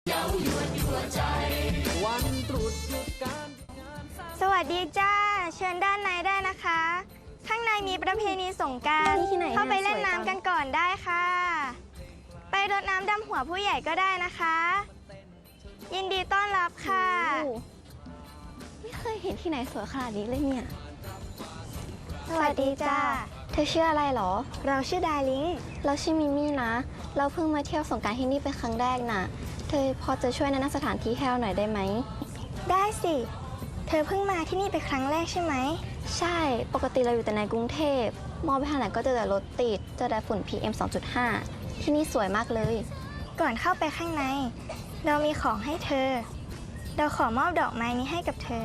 วันตรุษหยุดการสวัสดีจ้าเชิญด้านในได้นะคะ ข้างในมีประเพณีสงกรานต์เข้าไปเล่นน้ำกันก่อนได้ค่ะ ไปรดน้ำดำหัวผู้ใหญ่ก็ได้นะคะ ยินดีต้อนรับค่ะไม่เคยเห็นที่ไหนสวยขนาดนี้เลยเนี่ยสวัสดีจ้าเธอชื่ออะไรหรอเราชื่อดาลิงเราชื่อมิมี่นะ เราเพิ่งมาเที่ยวสงกรานต์ที่นี่เป็นครั้งแรกน่ะ เธอพอจะช่วยแนะนำสถานที่ให้เราหน่อยได้ไหมได้สิ เธอเพิ่งมาที่นี่เป็นครั้งแรกใช่ไหมใช่ ปกติเราอยู่แต่ในกรุงเทพ มองไปทางไหนก็เจอแต่รถติด เจอแต่ฝุ่น PM 2.5 ที่นี่สวยมากเลยก่อนเข้าไปข้างใน เรามีของให้เธอ เราขอมอบดอกไม้นี้ให้กับเธอ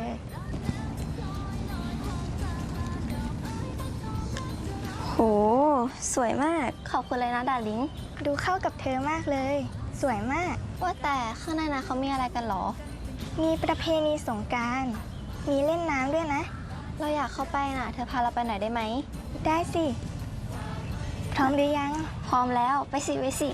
โห สวยมาก ขอบคุณเลยนะดาลิงดูเข้ากับเธอมากเลย สวยมากว่าแต่ข้างในนะเขามีอะไรกันหรอมีประเพณีสงกรานต์มีเล่นน้ำด้วยนะเราอยากเข้าไปน่ะ เธอพาเราไปหน่อยได้ไหมได้สิ พร้อมหรือยังพร้อมแล้ว ไปสิไปสิ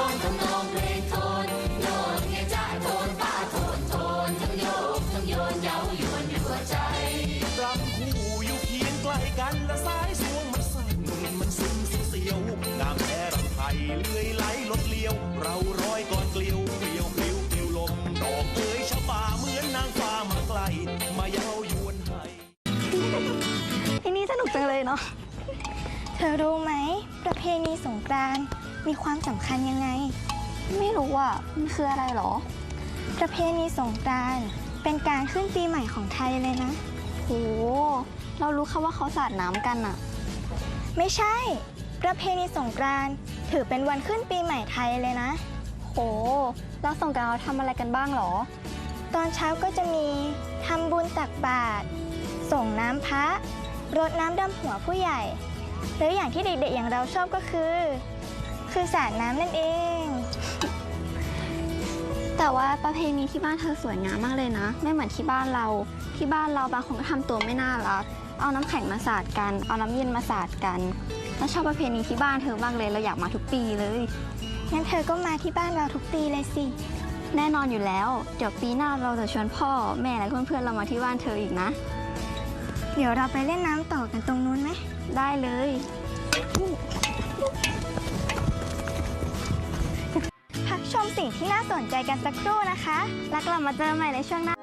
รำคู่อยู่เคียงใกล้กันและสายสวงมันสั่นมันซึ้งเสียวน้ำแพ้รำไทยเลื่อยไหลลดเลี้ยว เราร้อยก่อนเกลียวเกลียวเกลียวเกลียวลมดอกเอ๋ยชะป่าเหมือนนางฟ้ามาไกลมาเย้ายวนให้ที่นี่สนุกจังเลยเนาะเธอรู้ไหม ประเพณีสงกรานต์มีความสำคัญยังไงไม่รู้อ่ะ มันคืออะไรหรอประเพณีสงกรานต์เป็นการขึ้นปีใหม่ของไทยเลยนะโห เรารู้แค่ว่าเขาสาดน้ำกันอะไม่ใช่ ประเพณีสงกรานต์ถือเป็นวันขึ้นปีใหม่ไทยเลยนะโห แล้วสงกรานต์เราทำอะไรกันบ้างหรอตอนเช้าก็จะมีทำบุญตักบาตรส่งน้ำพระรดน้ำดำหัวผู้ใหญ่ หรืออย่างที่เด็กๆอย่างเราชอบก็คือสาดน้ำนั่นเองแต่ว่าประเพณีที่บ้านเธอสวยงามมากเลยนะ ไม่เหมือนที่บ้านเรา ที่บ้านเราบางคนก็ทำตัวไม่น่ารัก เอาน้ำแข็งมาสาดกัน เอาน้ำเย็นมาสาดกันแล้วชอบประเพณีที่บ้านเธอมากเลย เราอยากมาทุกปีเลยงั้นเธอก็มาที่บ้านเราทุกปีเลยสิแน่นอนอยู่แล้ว เดี๋ยวปีหน้าเราจะชวนพ่อแม่และเพื่อนๆเรามาที่บ้านเธออีกนะเดี๋ยวเราไปเล่นน้ำต่อกันตรงนู้นไหมได้เลยพักชมสิ่งที่น่าสนใจกันสักครู่นะคะแล้วกลับมาเจอใหม่ในช่วงหน้า